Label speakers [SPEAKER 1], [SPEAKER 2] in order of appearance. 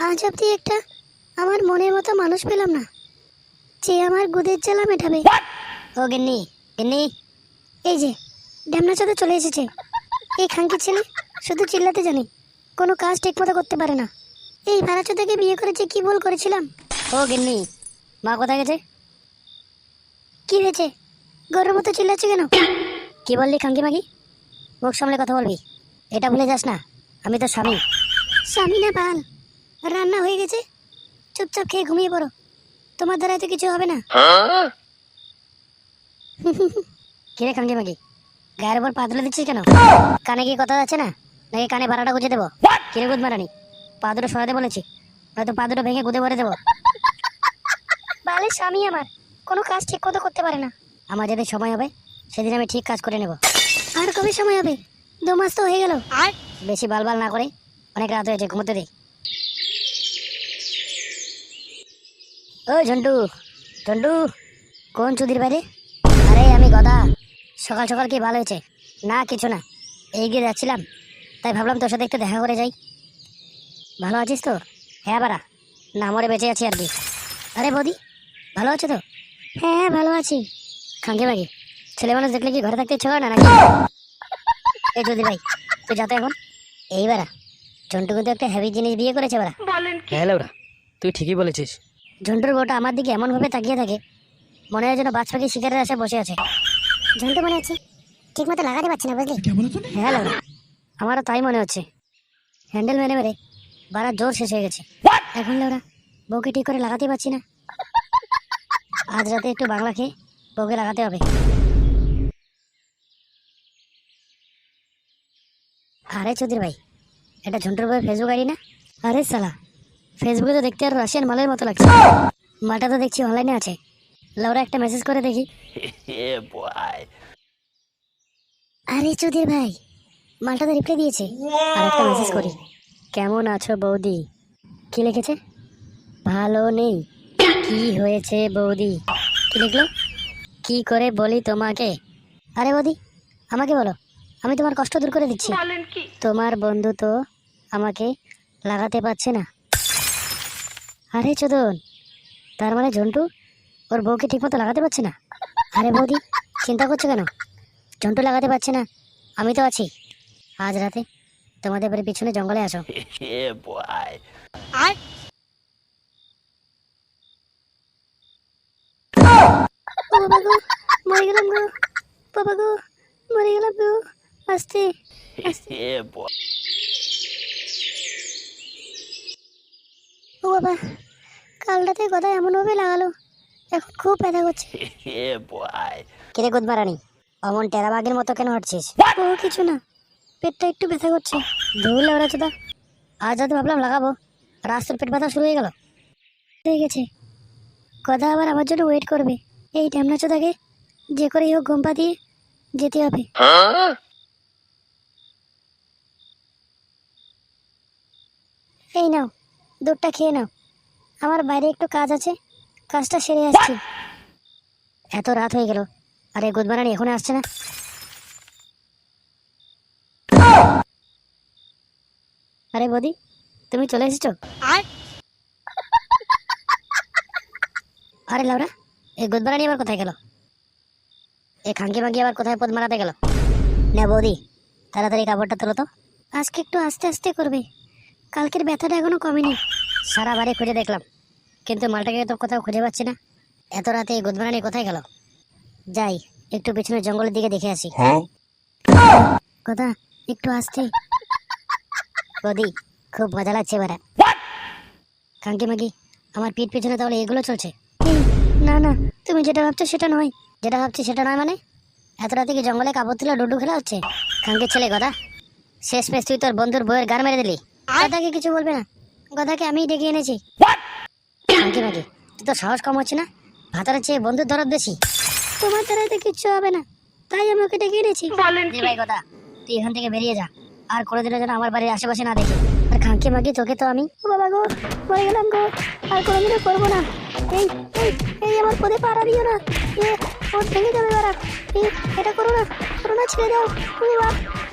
[SPEAKER 1] আজ অব্দি একটা আমার মনের মতো মানুষ পেলাম না যে আমার গুদের জ্বালা মেটাবে। ও গিন্নি, গিন্নি, এই যে ঢ্যামনা চোদা চলে এসেছে। এই খানকি ছেলে শুধু চিল্লাতে জানে, কোনো কাজ ঠিক মতো করতে পারে না। এই ভাড়া চোদাকে বিয়ে করেছে, কি ভুল করেছিলাম? ও গিন্নি, মা কোথায় গেছে? কি হয়েছে? গরুর মতো চিল্লাচ্ছে কেন? কি বললি খানকি মাগি? মুখ সামলে কথা বলবি, এটা ভুলে যাস না আমি তো স্বামী। স্বামী না বাল, রান্না হয়ে গেছে, চুপচাপ খেয়ে ঘুমিয়ে পড়ো, তোমার দ্বারা তো কিছু হবে না। কিরে খানকি মাগি, গায়ের উপর পা তুলে দিচ্ছিস কেন? কানে কি কথা যাচ্ছে না নাকি কানে ভাড়াটা গুঁজে দেবো? কিরে গুদ মারানি, পা দুটো সরাতে বলেছি, নয়তো পা দুটো ভেঙে গুদে ভরে দেবো। বালের স্বামী আমার কোনো কাজ ঠিক মতো করতে পারে না। আমার যেদিন সময় হবে সেদিন আমি ঠিক কাজ করে নেব। আর কবে সময় হবে? 2 মাস তো হয়ে গেল। আর বেশি বালবাল না করে, অনেক রাত হয়েছে, ঘুমোতে দে। ও ঝন্টু, ঝন্টু, কোন চুদির বাইরে? আরে আমি গদা। সকাল সকাল কি ভালো হয়েছে? না কিছু না, এগিয়ে যাচ্ছিলাম, তাই ভাবলাম তোর সাথে একটু দেখা করে যাই। ভালো আছিস তো? হ্যাঁ বাড়া, না মরে বেঁচে আছি আর কি। আরে বৌদি, ভালো আছো তো? হ্যাঁ হ্যাঁ ভালো আছি। খাঙ্কি মাগি, ছেলে মানুষ দেখলে কি ঘরে থাকতে ইচ্ছে করে না নাকি? এই চৌধুরী ভাই, তুই যাতে এখন। এই বাড়া, ঝন্টু কিন্তু একটা হেভি জিনিস বিয়ে করেছে বাড়া।
[SPEAKER 2] হ্যাঁ লাউরা, তুই ঠিকই বলেছিস।
[SPEAKER 1] ঝন্টুর বউটা আমার দিকে এমন ভাবে তাকিয়ে থাকে, মনে হয় যেন বাজ পাখি শিকারের আশায় বসে আছে। ঝন্টু মনে হচ্ছে ঠিক মতো লাগাতে পারছি না, বুঝলি? হ্যাঁ লাউরা, আমারও তাই মনে হচ্ছে। হ্যান্ডেল মেরে মেরে বাড়ার জোর শেষ হয়ে গেছে। এখন লাউরা বউকে ঠিক করে লাগাতে পারছি না। আজ রাতে একটু বাংলা খেয়ে বউকে লাগাতে হবে। আরে চৌধুরী ভাই, এটা ঝন্টুর বউয়ের ফেসবুক আইডি না? আরে সালা, ফেসবুকে তো দেখতে আর রাশিয়ান মালের মতো লাগছে। মাটা তো দেখছি অনলাইনে আছে। লাউরা একটা মেসেজ করে দেখি। আরে চৌধুরী ভাই, মালটা তো রিপ্লাই দিয়েছে। আর একটা মেসেজ করি, কেমন আছো বৌদি? কি লিখেছে? ভালো নেই। কি হয়েছে বৌদি? কি লিখলো? কি করে বলি তোমাকে? আরে বৌদি, আমাকে বলো, আমি তোমার কষ্ট দূর করে দিচ্ছি। তোমার বন্ধু তো আমাকে লাগাতে পারছে না। আরে চোদন, তার মানে ঝন্টু ওর বউকে ঠিক মতো লাগাতে পারছে না। আরে বৌদি, চিন্তা করছো কেন? ঝন্টু লাগাতে পারছে না, আমি তো আছি। আজ রাতে তোমাদের বাড়ির পিছনে জঙ্গলে আসো। আর ও বাবা গো, মরে গেলাম গো, বাবা গো, মরে গেলাম গো। আস্তে আস্তে। ও বাবা, কাল রাতে কথা এমন ভাবে লাগালো, এখন খুব ব্যথা করছে। কিরে গুদমারানি, অমন টেরা বাঘের মতো কেন হাঁটছিস? ও কিছু না, পেটটা একটু ব্যথা করছে। ধুল ওরা চোদা, আজ রাতে ভাবলাম লাগাবো, রাস্তার পেট ব্যথা শুরু হয়ে গেল। হয়ে গেছে, কথা আবার আমার জন্য ওয়েট করবে। এই ঢ্যামনা চোদাকে যে করেই হোক ঘুম পাতিয়ে যেতে হবে। এই নাও, দুধটা খেয়ে নাও, আমার বাইরে একটু কাজ আছে, কাজটা সেরে আসছি। এত রাত হয়ে গেল, আরে গুদমারানি এখনো আসছে না। আরে বৌদি, তুমি চলে এসেছো? আরে লাউরা, এই গুদমারানি আবার কোথায় গেল? এই খাঙ্কি মাঙ্কি আবার কোথায় পদ মারাতে গেল? না বৌদি, তাড়াতাড়ি কাপড়টা তোলো তো। আজকে একটু আস্তে আস্তে করবে, কালকের ব্যথাটা এখনো কমেনি। সারা বাড়ি খুঁজে দেখলাম, কিন্তু মালটাকে তো কোথাও খুঁজে পাচ্ছি না। এত রাতে এই গুদমারানি কোথায় গেল? যাই একটু পিছনের জঙ্গলের দিকে দেখে আসি। কথা একটু আস্তে। বৌদি, খুব মজা লাগছে এবারে। খাঙ্কি মাগি, আমার পিঠ পিছনে তাহলে এগুলো চলছে? না না, তুমি যেটা ভাবছো সেটা নয়। যেটা ভাবছি সেটা নয় মানে? এত রাতে কি জঙ্গলে কাপড় তুলে ডুডু খেলা হচ্ছে? খাঙ্কির ছেলে গদা, শেষ পেশ তুই তোর বন্ধুর বইয়ের গান মেরে দিলি। গদাকে কিছু বলবে না, গদাকে আমিই ডেকে এনেছি। খাঙ্কি মাগি, তুই তো সাহস কম হচ্ছে না? ভাতারের চেয়ে বন্ধুর দরদ বেশি। তোমার দ্বারাই তো কিচ্ছু হবে না, তাই আমি ওকে ডেকে এনেছি। ভাই গদা, তুই এখান থেকে বেরিয়ে যা, আর কোনোদিনও যেন আমার বাড়ির আশেপাশে না দেখি। আর খাঙ্কি মাগি, তোকে তো আমি, ও বাবা গো, মরে গেলাম গো, আর কোনোদিনও করবো না। এই এই এই আমার পদে পাড়া দিও না, ওর ভেঙে যাবে বাড়া। এই এটা করো না, ছেড়ে দাও।